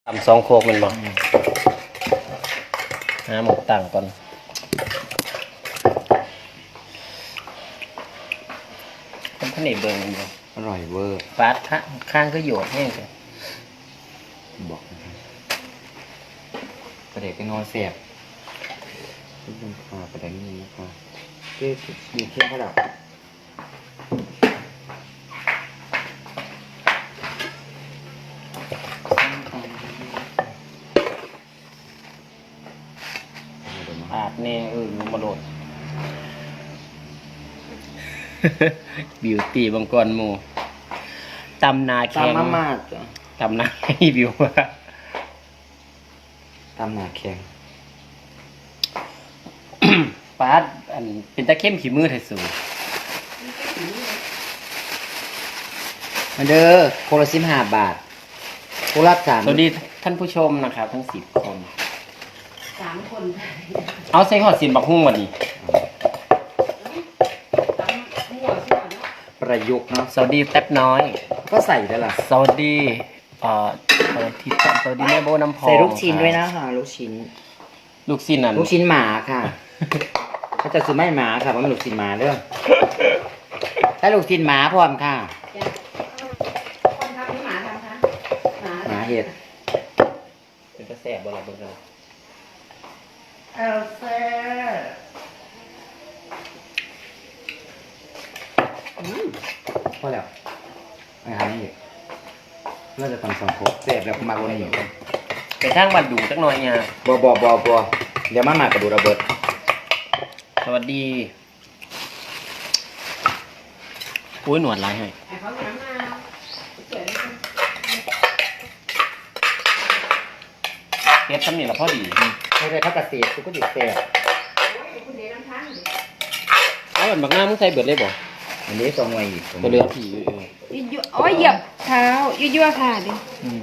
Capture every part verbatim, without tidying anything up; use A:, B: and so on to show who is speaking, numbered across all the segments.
A: ทำสองโคกมันบอกหาหมกต่างก่อนเป็นข้าวเหนียวเบิร์นเลย
B: อร่อยเวอร์
A: ฟาดข้างข้างก็โยดแห้งเลย
B: บอกนะครับประเด็กเป็นงอนเสียบทุกคนค่ะประเด็กนี้นะคะเจ๊อยู่เที่ยงเขาดับ
A: อาดเนี่ยเออมาโดดบิวตี้บางกรหมูตำนาแข็ง
B: ตำมากจ้ะ
A: ตำนาให้บิวว่า
B: ตำหนาแข็ง
A: ปาดอันเป็นตะเข้มขี้มือไทยสูง
B: มาเด้อโคละสิบห้าบาทโคละสาม
A: สวัสดีท่านผู้ชมนะครับทั้งสิบคน
C: สามคน
A: เอาใส่หอดสินบักหุ่งวันนี้
B: ประยุกต์เนาะ
A: สวัสดีแท็บน้อย
B: ก็ใส่ได้ล่ะ
A: สวัสดีเอ่อสวัสดีสวัสดีแม่โบน้ำพอง
B: ใส่ลูกชิ้นด้วยนะค่ะลูกชิ้น
A: ลูกชิ้นนั่น
B: ลูกชิ้นหมาค่ะเขาจะซื้อไม่หมาค่ะเพราะมันลูกชิ้นหมาเด้อถ้าลูกชิ้นหมาพร้อมค่ะ
C: คนทำหรือหมาทำคะหมา
B: หมาเห็ด
A: เป็นกระแสบบ่ล่ะเบิ่งกัน
C: เอลเซ่
B: พอแล้วไม่ทำนี่เราจะทำสองครบเสียบแบบมาวันนี้
A: ไปทางบัดดูจักหน่อยเนี่ย
B: บัวบัวบัวบัวเดี๋ยวมาหมากระดูระเบิด
A: สวัสดีอุ้ยหนวดลายให้
C: ไอ้เขาหนามาเจ๋ง
A: เฮ็ดทำนี่ละพอดี
B: ไม่ได้พักเกษตรกูก็ดิเสียบ
C: คุณเดน้ำทั้ง
A: เอาอันบักหน้ามึงใส่เบิดเลยบ่
B: อันนี้สองวัยอีก
A: ตัวเรือผี
C: ยั่วโอ้ยเหยียบเท้ายั่วๆค่ะดิ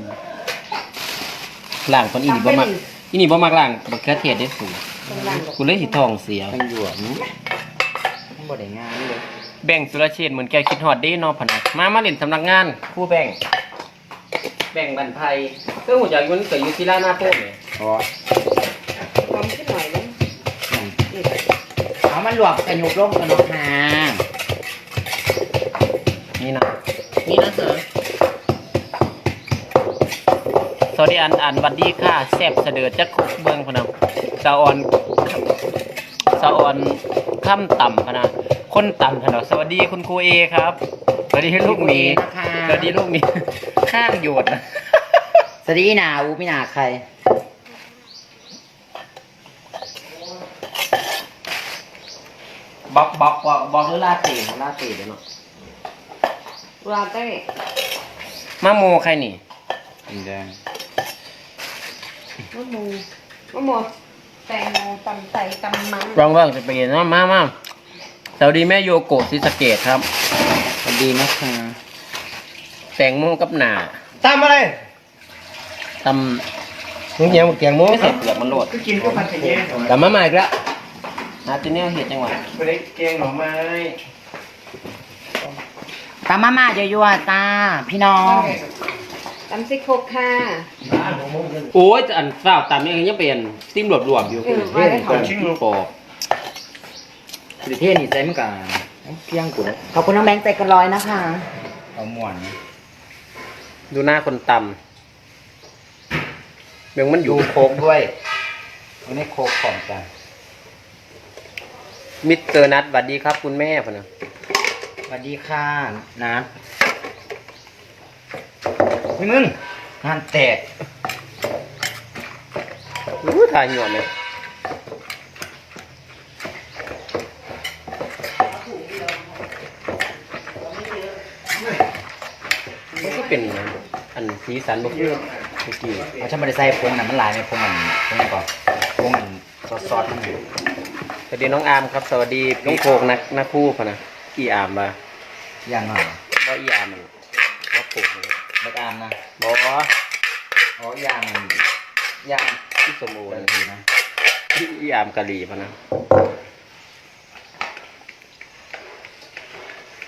A: ล่างคนอีนี่บ่มักอีนี่บ่มักล่างบักเขือเทศได้สูงกูเลยสิท้องเสีย
B: มันหยวมมันบ่ได้งานเลย
A: แบ่งสุรเชษฐ์เหมือนแกคิดฮอดเด้เนาะพะนะมามาเล่นสำนักงานครูแบ่งแบ่งบันไพเพิ่นฮู้จักอยู่มันเกิดอยู่ที่ลานาโพกนี่
B: อ๋อ
C: ความขึ้นหน่อยนึง
B: เอามันหลวกกระยุกลงกันเนาะค่ะ
A: นี่นะนี่นะเสือสวัสดีอันอันวัดดีค่ะแซ่บเสดอจักคุกเบิ่งพะนะสะออนสะออนค่ำต่ำพะนะคนต่ำพะนะสวัสดีคุณครูเอครับสวัสดีลูกหมีสวัสดีลูกหมีข้างโยดนะ
B: สวัสดีนาอูไม่นาใคร
A: บอกบอกบอกบอกหรือลาเต้ลาเต้เดี๋ยวเนาะ
C: ลาเต้
A: มะโมใครนี่
B: แดง
C: มะมูมะมูแตงโมตำใส่ตำมัง
A: ลองบ้างจะไปเห็นว่ามามาสวัสดีแม่โยโกะซิสเกตครับ
B: สวัสดีนะคะ
A: แตงโมกับหนา
B: ตำอะไร
A: ตำมึงเหี้ยมึงแกงโมไม่ใส่เปลือกมันโหลด
B: ก็กินก็ผัดเย็น
A: แต่มาใหม่แล้วอาติเนียเห็ดจังหวะ
B: ไม่ได้แกงหน่อไม้
A: ตำมาม่าเยอะๆตาพี่น้อง
C: ตำซิโคค่ะ
A: โอ้ยอันฝ้าตำนี่ยังเป็นซิมหลวมๆอยู่
C: เออไม่ได้ทำ
A: ชิ้นโปร
B: ประเทศนี่ใจมันกันเพียงกู
C: ขอบคุณน้องแบงค์ใจกันร้อยนะคะ
B: เอาหมวน
A: ดูหน้าคนตำเมืองมันอยู่
B: โคกด้วยมันไม่โคกของกัน
A: มิสเตอร์นัทสวัสดีครับคุณแม่พนะ
B: สวัสดีค่ะนัทนี่มึงงานแตก
A: รู้ถ่ายหยวนเลยมันก็เป็นอันสีสันบุกเยอะเมื่อกี้
B: เขาจะไม่ได้ใส่พงน่ะมันลายในพงอันพงก่อนพงอันซอสๆทั้งหมด
A: สวัสดีน้องอาร์มครับสวัสดีน้องโคกนักนักคู่พนะอีอาร์มมา
B: อย่างหน่อย
A: ว่าอีอาร์มมันว่าโคก
B: บักอาร์มนะ
A: บอกว่า
B: อ๋ออย่างอย่าง
A: ที่สมบูรณ์นะที่อีอาร์มกะหรี่พนะ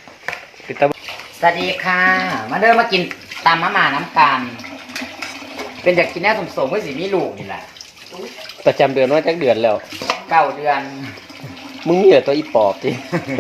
B: สวัสดีค่ะมาเดินมากินตามมะม่าน้ำกันเป็นอยากกินแน่สมสมว่าสิมีลูกนี่แหละ
A: ประจำเดือนว่าจักเดือนแล้ว
B: เก้าเดือน
A: มึงมีแต่ตัวอีปอบจิ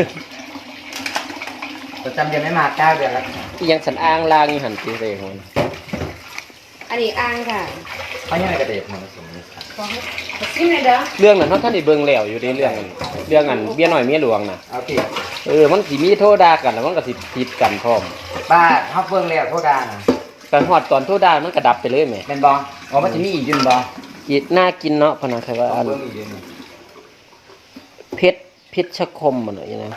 B: ประจำเดือนไม่มาเก้าเดือนแล้ว
A: อีหยังสันอ้างลางอยู่หันติเลยของมัน
C: อันนี้อ่างค่ะ
B: เขายังไงกระเด็บมาผสมนี่ครับ
C: ขอให้ชิมเลยเด้อ
A: เรื่องนั้นเฮาท่านได้เบิ่งแล้วอยู่ในเรื่องนั้นเรื่องอันเบี้ยน้อยเมียหลวงน่ะ
B: เอาสิ
A: เออมันสิมีโทษด่ากันแล้วมันก็สิผิดกันพร้อม
B: บ้าเขาเบิ่งแล้วโทษดานะ
A: แต่ฮอดตอนโทษด่ามันก็ดับไปเลยแหม
B: เป็นบออ๋อมันจะมีอีกอยืนบอ
A: อีน่ากินเนาะพะนะคือว่าอัน
B: เบิ่งอีกอยืน
A: เพชรเพชรชคมมันน่ะอย่างนั้น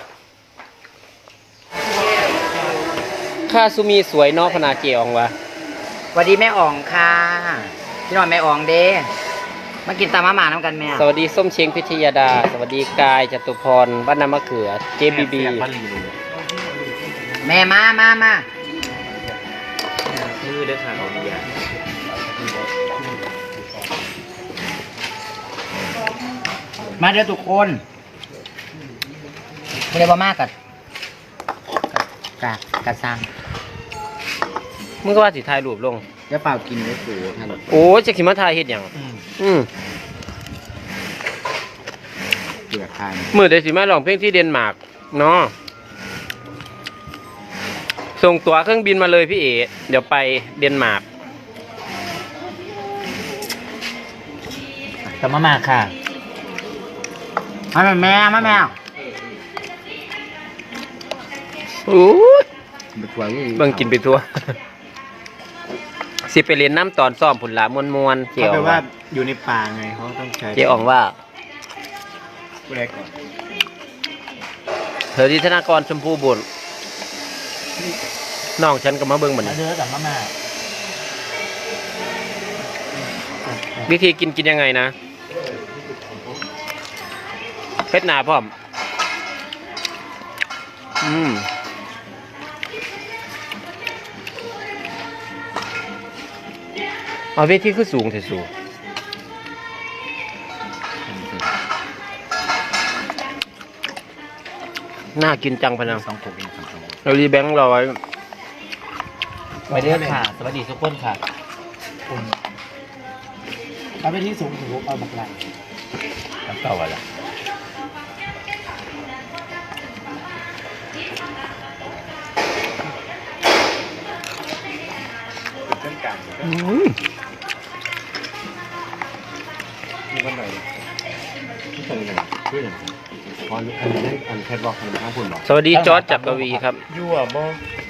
A: ค่าสุมีสวยเนาะพะนาเกียองวะ
B: สวัสดีแม่อ่องค่ะพี่น้องแม่อ่องเด้มากินตามมาหมาน้ำกันแม่
A: สวัสดีส้มเชงพิทยาดา สวัสดีกายจตุพรบ้านนามะเขือ เจบีบี
B: แม่มามามา
A: มือเด้อค่ะของยา
B: มาเด้อทุกคนไม่ได้บ่มากกัดกะกะซัง
A: มึงก็ว่าสิถ่ายรูปลง
B: จะเปล่ากินได้สูท่าน
A: โอ้ยจะขิมาถ่ายเฮ็ดหยังอืม
B: เปลือกทาน
A: มือเดี๋ยวสิมาร้องเพลงที่เดนมาร์กเนาะส่งตั๋วเครื่องบินมาเลยพี่เอ๋เดี๋ยวไปเดนมาร์ก
B: ตามมามาค่ะมาแม่แม่มาแม่
A: โอ้ย
B: ไปทัวร์
A: เบิ่งกินไปทั่ว สิไปเรียนน้ำตอนซ้อมผุนละมวนมวนๆเจี
D: เขา
A: ยว
D: แปลว่าอยู่ในป่าไงเขาต้องใช้
A: เจียวอ่องว่า
D: ผู้ใดก่อน
A: เธอที่ธนากรชมพูบุญน้องฉันก็มาเบิ่งเหมือน
B: มาเด้อกับมามา
A: วิธีกินกินยังไงนะเพชรหนาพร้อม อืมเอาเวทีคือสูงเถอะสูงน่ากินจังพะนัง
B: สองขวดเองสองขวด
A: เรารีแบงค์ร้อย
B: ไปเด้อค่ะ สวัสดีทุกคนค่ะ
D: เอาไปที่สูงถึงเอาบักไหล
B: น้ำเต่าอะไร
D: เส้นกลาง
A: อืม
D: มีวันไหนที่เป็นยังไงชื่ออย่างไรอันอันนี้อันแคทบอกอันข้างพุ่นบอก
A: สวัสดีจอร์จจักรวีครับ
D: ยั่วบ่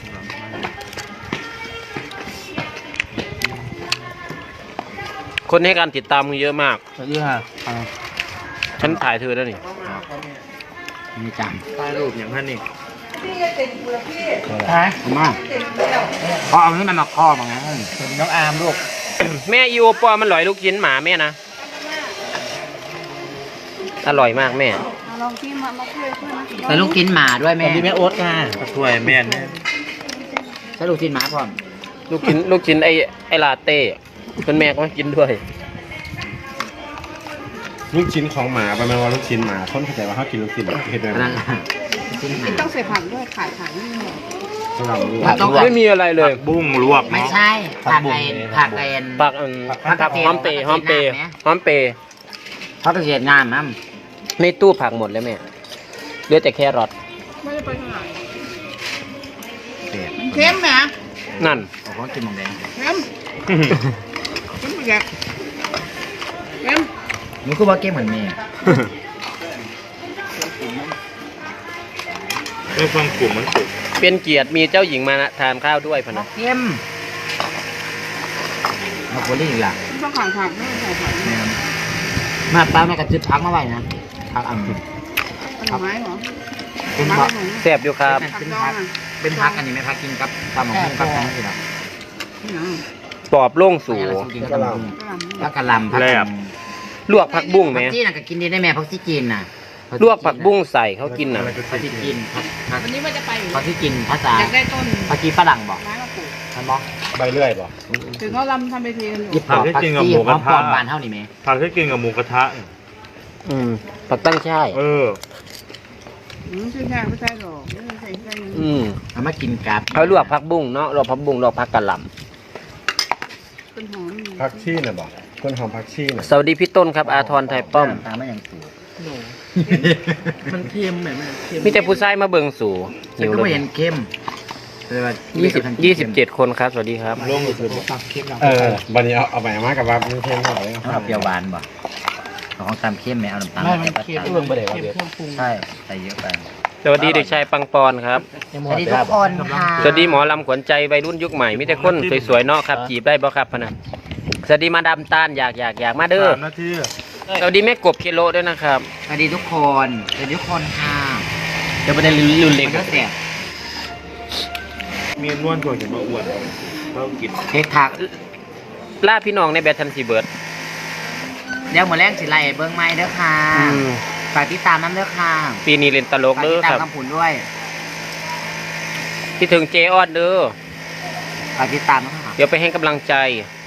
A: คนให้การติดตามมึงเยอะมาก
B: สวัสดีค่ะ
A: ฉันถ่ายเธอแล้วนี่
B: มีจ
D: ถ่ายรูปอย่างนั้นนี่
C: พี่จะติดเปลือกพี่
B: ำฮะมา
C: ติดแล้ว
B: เพราะเอานี่มันมาครอบมาไงน้องอาร์มลูก
A: แม่อีโอปอมันหลอยลูกชิ้นหมาแม่นะ อร่อยมากแม่
C: เอาลองที่มามาช่วยเพื่อนนะ
B: ใส่ลูกกินหมาด้วยแม่
D: แม่โอ๊ตค่ะช่วยแม่เนี่ย
B: ใส่ลูกกินหมาพร้อม
A: ลูกชิ้นลูกชิ้นไอไอลาเต้เป็นแม่ก็มากินด้วย
D: ลูกชิ้นของหมาประมาณว่าลูกชิ้นหมาคนเข้าใจว่าเขากินลูกชิ้นเห็นไหม
B: นั่นแหละกินหมา
C: ต้องใส่ผักด้วยขายผักนี่หมด
D: สำหรับลว
B: ผั
D: ก
B: กต้อง
A: ไม่มีอะไรเลย
D: บุ้งลวก
B: ไม่
D: เนาะ
B: ใช่ผักไอ้ผักไอ้
A: ผักอัน
B: ผั
A: ผั
B: ก
A: ก
B: กระเทียม
A: หอมเปย์หอมเปย์
B: ผักกระเทียม
A: หอมเปย์
B: ผักกระเทียมงามมั้ง
A: ในตู้ผักหมดแล้วแม่เหลือแต่แครอท
C: ไม่ได้ไปทางไหน
B: เด็ด
C: มันเค็มไหม
A: นั่น
B: โอ้โหกินหมองแดง
C: เค็มเค็มอีกแล้วเค็ม
B: นี่คือว่าเกมเหมือนแม่
D: เรื่องความกลุ่มมันสุด
A: เป็นเกียรติมีเจ้าหญิงมาทานข้าวด้วยพะนะ
B: เกมมาโคลี่อีกล่ะ
C: ต้องขายผักด้วยขายผักด้วย
B: มาป้าแม่กระจุดพักมาไว้นะพักอัน
C: ผลไม้เหรอ
B: เป็น
C: ผั
B: พั
C: ก
B: ก
C: หมู
A: แซ่บอยู่ครับ
C: ผักดองอ่ะ
B: เป็นพักอันนี้ไหมพักกินกับตำหมกหุ้งกับนั่นสิครับ
C: นี่เหรอ
A: ปอบโล่งสู
B: ไม่อะไรกินกับตำหมกหุ้ง
C: กระหล่ำ
B: แล้วกะหล่ำผัก
A: ลวกผักบุ้งไหม
B: ผักจีนน่ะก็กินดีได้แม่ผักซีจีนน่ะ
A: ลวกผักบุ้งใส่เขากินน่ะ
B: ผักซีจีนผักผัก
C: วันนี้ว่าจะไปอยู่
B: ผักซีจีนภาษา
C: อยากได้ต้น
B: ผักกีฝรั่งบอก
C: ไม้มาปลูก
B: ท่านบอก
D: ใบเลื่อยป่ะ
C: ถึงเขาลำทำไปทีกันอยู่
B: ญี่ปุ่นผักซีหอมปอนบานเท่านี้ไหม
D: ผักที่กินกับหมูกระทะ
A: อืมผักตั้งช่าย
D: เออ
C: อืมใช่ใช่ไม่ใช่หรอกไม่ใช่ใช่
A: อืม
B: เอามากินกับ
A: เขาลวกผักบุ้งเนาะลวกผักบุ้งลวกผักกะหล่
C: ต้นหอม
D: ผักชีน่ะบ่ต้นหอมผักชีน่ะ
A: สวัสดีพี่ต้นครับอาทรไทยป้อม
B: ตามไม่ยังสูง
C: โหนูมันเค็มแบบมันเค็ม
A: มีแต่ผู้ชายมาเบิ่งสู่
B: ฉันก็ไม่เห็นเข้มเลยว่า
A: ยี่สิบยี่สิบเจ็ดคนครับสวัสดีครับ
D: ลงก็คือเออบัดนี้เอาเอาไปมากับว่ามันเค็มเท่าไหร่
B: เอาเปรี้ยวหวานบ่เอาของตามเข้มไหมเอาน้ำตาล
C: ไม่มัน
B: แต่
C: เค็ม
B: ตัด
C: เค็มเครื่องปรุง
B: ใช่ใส่เยอะไป
A: สวัสดีเด็กชายปังปอนครับ
B: สวัสดีทุกคนค่ะ
A: สวัสดีหมอลำขวัญใจวัยรุ่นยุคใหม่มีแต่คนสวยๆเนาะครับจีบได้บ่ครับพะนะสวัสดีมาดามตาลอยากอยากอยากมาเด้อ
D: สามนาที
A: สวัสดีแม่กบเคโลด้วยนะครับ
B: สวัสดีทุกคนสวัสดีทุกคนค่ะ
A: เดี๋ยวประเด็นรุนเล็ก
B: มันก็เสีย
D: มีนวลกว่าเห็นมาอ้วนเรากิน
B: เค้กผัก
A: ล่าพี่น้องในแบททันซีเบิร์ด
B: เดี๋ยวหมดแรงสิไล่เบิ้งไม้เด้อค่ะ
A: อืม
B: ฝากติดตามน้ำเด้อค่ะ
A: ปีนี้เล่นตลก
B: ฝาก
A: เด้
B: ติ
A: อ
B: ดตา
A: ค
B: ม
A: รับ
B: คำผุนด้วย
A: ที่ถึงเจออดเด้อ
B: ฝากติดตามนะคะ
A: เดี๋ยวไปให้กำลังใจ
B: ฝ